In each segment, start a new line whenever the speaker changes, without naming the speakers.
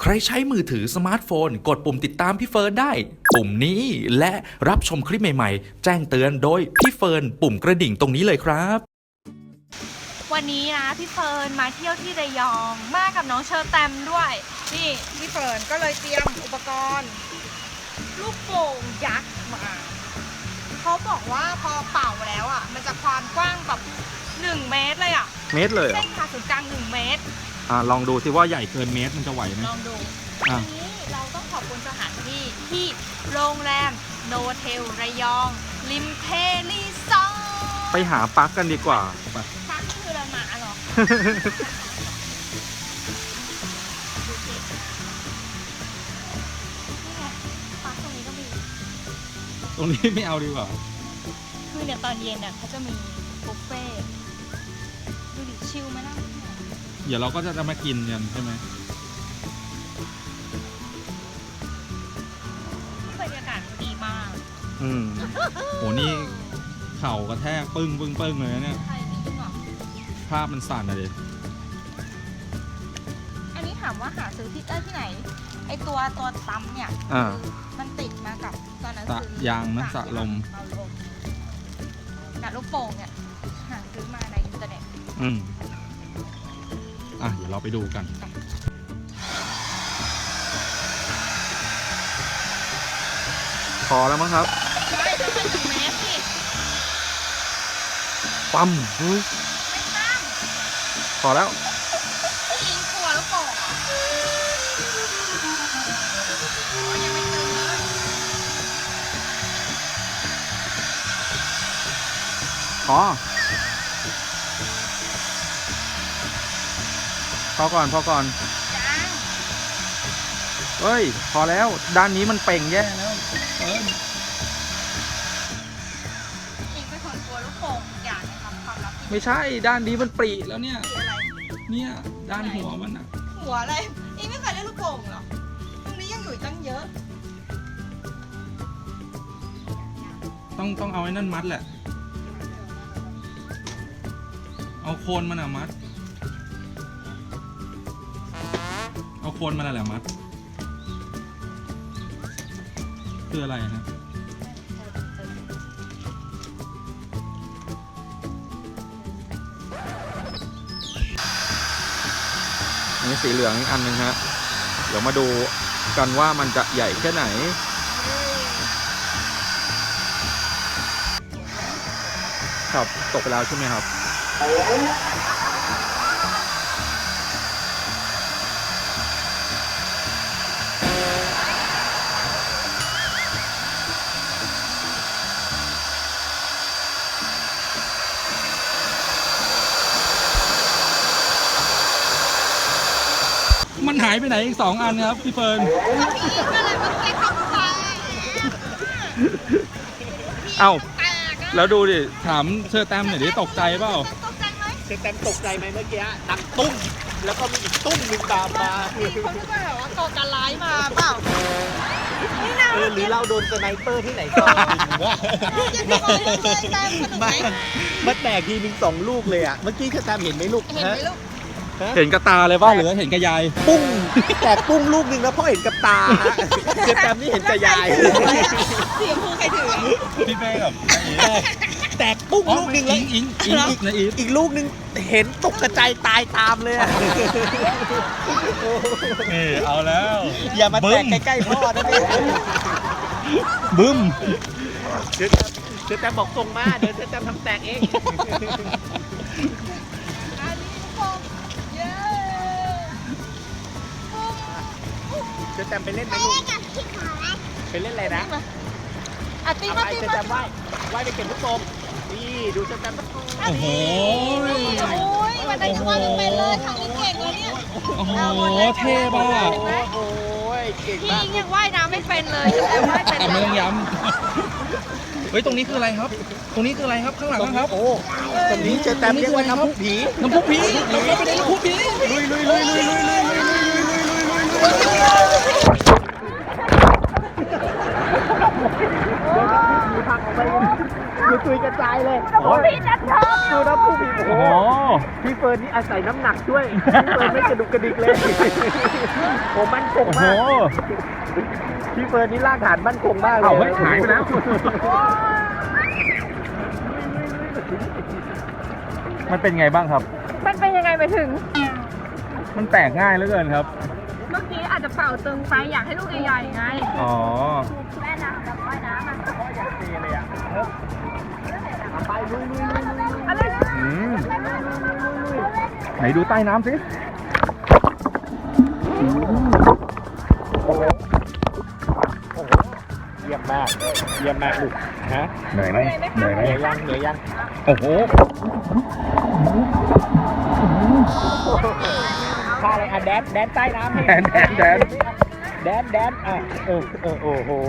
ใครใช้มือถือสมาร์ทโฟนกดปุ่มติดตามพี่เฟิร์นได้ปุ่มนี้และรับชมคลิปใหม่ๆแจ้งเตือนโดยพี่เฟิร์นปุ่มกระดิ่งตรงนี้เลยครับ
วันนี้นะพี่เฟิร์นมาเที่ยวที่ระยองมากับน้องเชอร์แตมด้วยนี่พี่เฟิร์นก็เลยเตรียมอุปกรณ์ลูกโป่งยักษ์มาเขาบอกว่าพอเป่าแล้วอ่ะมันจะความกว้างแบบ1 เมตรเลยอ่ะ
เมตรเลยเหร
เส้
อน
ผ่าศูนย์กลาง1 เมตร
ลองดูสิว่าใหญ่เกินเมตรมันจะไหวไหม
ลองดูทีนี้เราต้องขอบคุณสถานที่ที่โรงแรมโนเทลระยองริมเพลีซอร์
ไปหาปลั๊กกันดีกว่าไป
พักคือละหมาหรอ ดูสินี่ไงพักตรงนี้ก็มี
ตรงนี้ไม่เอาดีกว่า
คือเนี่ยตอนเย็นเนี่ยเขาจะมีบุฟเฟ่ต์ดูดิชิลมานั่ง
เดี๋ยวเราก็จะมากินกันใช่ไหม
บรรยากาศดีมาก
โหนี่เข่ากระแทกปึ้งเลยนะเนี่ย
ใช่จริงเหรอ
ภาพมันสั่นเลย
อันนี้ถามว่าหาซื้อที่ไหนไอตัวตั้มเนี่ยมันติดมากับตอนนั้นซื้อย
างนะสะลม
กับลูกโป่งเนี่ยหาซื้อมาในอินเทอร์เน็ต
เดี๋ยวเราไปดูกันพอแล้วมั้งครับ
ใช่ต้องเป็น1 เมตรสิ
ปั๊ม
ไม่ตั้ง
พอแล้ว
ยิงตัวลูกโป่งยังไม่ตึงเลย
พอก่อนเฮ้ยพอแล้วด้านนี้มันเป่งแย่แล้ว
อิงเป็นคนกลัวลูกโป่งอย่างนะครับความลับ
ไม่ใช่ด้านนี้มันปรีแล้วเนี่ยเนี่ยด้านหัวมันอะ
หัวอะไรอิงไม่เคยเล่นลูกโป่งหรอตรงนี้ยังอยู่ตั้งเยอะ
ต้องเอาไอ้นั่นมัดแหละเอาโคนมันอะมัดเอาโคนมันอะไรมัดคืออะไรนะนี่สีเหลืองอีกอันนึงฮะเดี๋ยวมาดูกันว่ามันจะใหญ่แค่ไหนครับตกไปแล้วใช่ไหมครับมันหายไปไหนอีก2 อันครับพี่เฟิร์นเอ้าแล้วดูดิถามเชอร์แตมหน่อยดิตกใจเปล่า
เชอร์แตมตกใจไหมเมื่อกี้ดังตุ้มแล้วก็มีอีกตุ้มหนึ่งตามมา
เขาคิดว่าแบบว่าก่อการร้ายมาเปล่า
หรือเราโดนสไนเปอร์ที่ไหนก่อนมาแตกทีนึง2 ลูกเลยอ่ะเมื่อกี้เชอร์แตมเห็นไหมลูก
เห็นกับตาเลยว่าหรือเห็นกับยาย
ปุ้งแตกปุ้งลูกนึงแล้วพ่อเห็นกับตาเชอร์แตมนี่เห็นกับยาย
เสียงพูใครถือ
พี่เป้กับ
แตกปุ้งลูกนึงแล้วอีกลูกนึงเห็นตกกระจายตายตามเลย
เอาแล้ว
อย่ามาแตกใกล้ๆพ่อนะพี่
บึ้ม
เชอร์แตมบอกส่งมาเดี๋ยวเชอร์แตมทำแตกเองเชอร์แตมไปเล่นไหมลูกไปเล่นอะไรนะ
ตีมา
เชอร์แตมว่ายไปเก็บลูกโป่งนี่ดูเชอร์แตม
โอ้โห
วันนั้นว่าเป็นเลยทางนี้เก่งเลยเนี่ย
โอ้โหเท่บ้า
โอ้ยเก่งมาก
ยังว่ายน้ำไม่เป็นเลยแต่ว่ายเป็น
ไม่ต้องย้ำเฮ้ยตรงนี้คืออะไรครับตรงนี้คืออะไรครับข้างหลังครับ
โอ้ตรงนี้เชอร์แตมเรียกว่าน้ำพุผี
เราไปในน้ำพุผีลุย
พังออกไปอยู่ตุยกระจายเลย
โอ้ยพี่นัทชอบ
ดูนะผู้ผิดโอ้
โอ้
โห
โห
พี่เฟิร์นนี่อาศัยน้ำหนักด้วยพี่เฟิร์นไม่กระดุกกระดิกเลยโอ้มั่นคง
โอ้โห
มากพี่เฟิร์นนี่รากฐานมั่นคงมากเลย
เอาเฮ้ยหายไปแล้ว มันเป็นไงบ้างครับ
มันเป็นยังไงไปถึง
มันแตกง่ายเหลือเกินครับ
เมื่อกี้อาจจะเป่าตึงไปอยากให้ลูกใหญ่ๆไง
อ๋อ
แม่น้ำกับว่ายน้ำอะอะไรนะ
อืมไหนดูใต้น้ำสิ
เยี่ยมมากลูกฮะ
เหนื่อยไหมเหนื่อยไหม
เหนื่อยยัง
โอ้โห
ท่าอะไรอ่ะแดนใต้น้ำ
แดน
อ่ะโอ้โห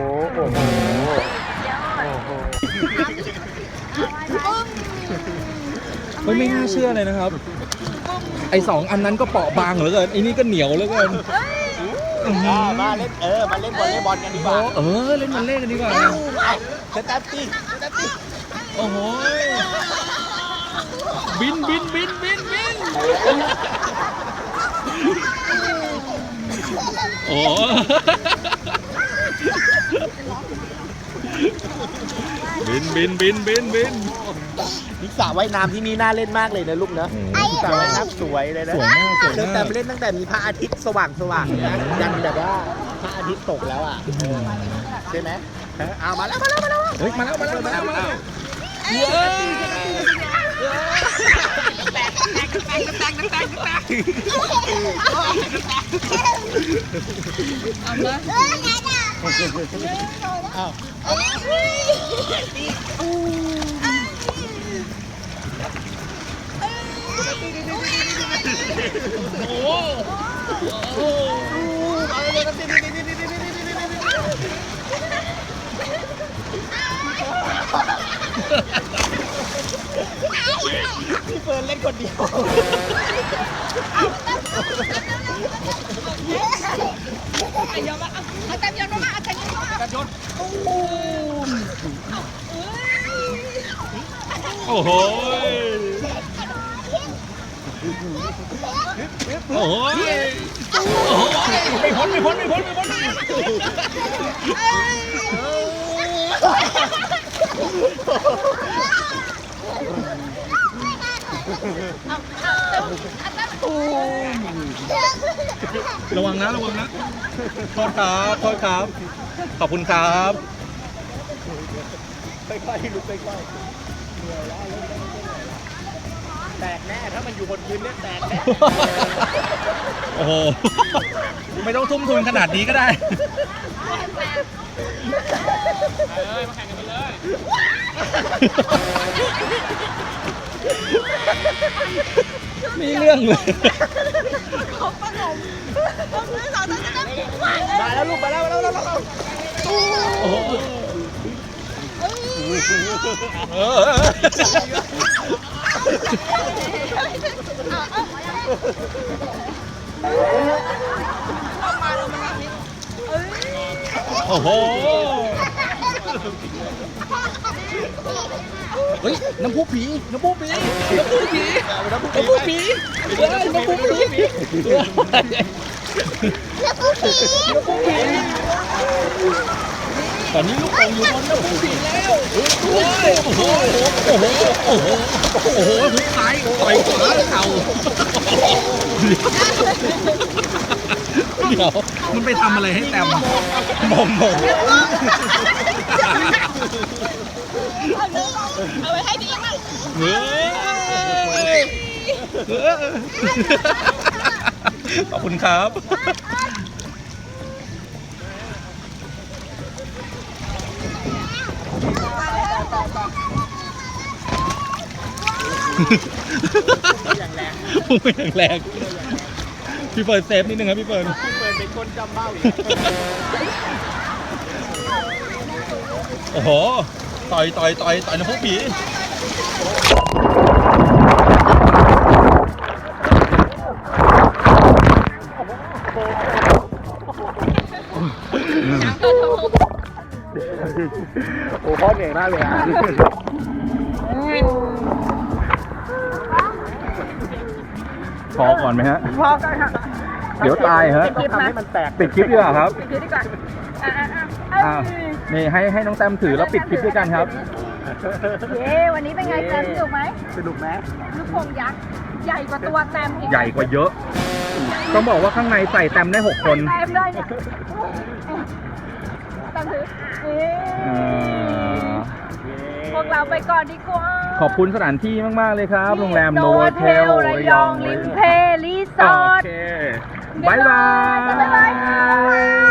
เฮ้ยไม่น่าเชื่อเลยนะครับ ไอ้2 อันนั้นก็เปราะบางเหลือเกินไอ้นี่ก็เหนียวเหลือเกิน
มาเล่นมาเล่นวอลเลย์บอลกันดีกว่า
เล่นมันเล่นกันดีกว่า
สแตปปี้
โอ้โห บินโอ้ บิน
นิสระว่ายน้ำที่นี่น่าเล่นมากเลยนะลูกนะสระว่ายน้ำสวยเลยนะ
สวยมาก
เชอแต่เล่นตั้งแต่มีพระอาทิตย์สว่างนะยันแบบว่าพระอาทิตย์ตกแล้วอ่ะใช่ไหมเอามาแล้ว
เฮ้ย มาแล้ว
พี่เฟิร์นเล่นคนเดียว
โอ้โห ไม่พ้น ระวังนะ โทษครับ ขอบคุณครับ
ค่อยๆลุกค่อยๆแตกแน่ถ้ามันอยู่บนพื้นเนี่ยแตกแน่
โอ้โห ไม่ต้องทุ่มทุนขนาดนี้ก็ได้ มาแข่งกันไปเลย มีเรื่องเลย
มาแล้วลูกมาแล้ว
โอ้โหโอ้โห เฮ้ย น้ำพุผี ตอนนี้ลูกโป่งอยู่บนน้ำพุผีแล้วโอ้โหหุกซ้ายต่อยขวาเข่าเดี๋ยวมันไปทำอะไรให้แต้มมอง
เอาไว้ให้ดีมาก
ขอบคุณครับ พุ่งไปอย่างแรงพี่เฟิร์นเซฟนิดนึงครับพี่เฟิร์น
เป็นคนจำเบ้าอยู่
โอ้โห ต่อยน้ำพุผี
โอ้พ่อเหนื่อยกมากเลยอ่ะ
พอก่อนไหมฮะ
พอกันค่ะ
เดี๋ยวตายฮะ
คลิป
ทำ
นะ
ให้มันแตก
ปิดคลิปดีกว่าครับ
ปิดคลิปดีกว่า
อ้าวนี่ให้น้องแต้มถือแล้วปิดคลิปด้วยกันครับ
เย้วันนี้เป็นไงแต้มสนุกไหม
สนุกไหม
ลูกโป่งยักษ์ใหญ่กว่าตัวแต้มอีก
ใหญ่กว่าเยอะ ต้องบอกว่าข้างในใส่แต้มได้ 6 คน
แต้มได้เนี่ยแต้มถือพวกเราไปก่อนดีกว่า
ขอบคุณสถานที่มาก ๆ เลยครับ โรงแรม
โน
Novotel
ระยองริมเพรีสอร์ท
โอเค บ๊ายบาย
บ๊ายบาย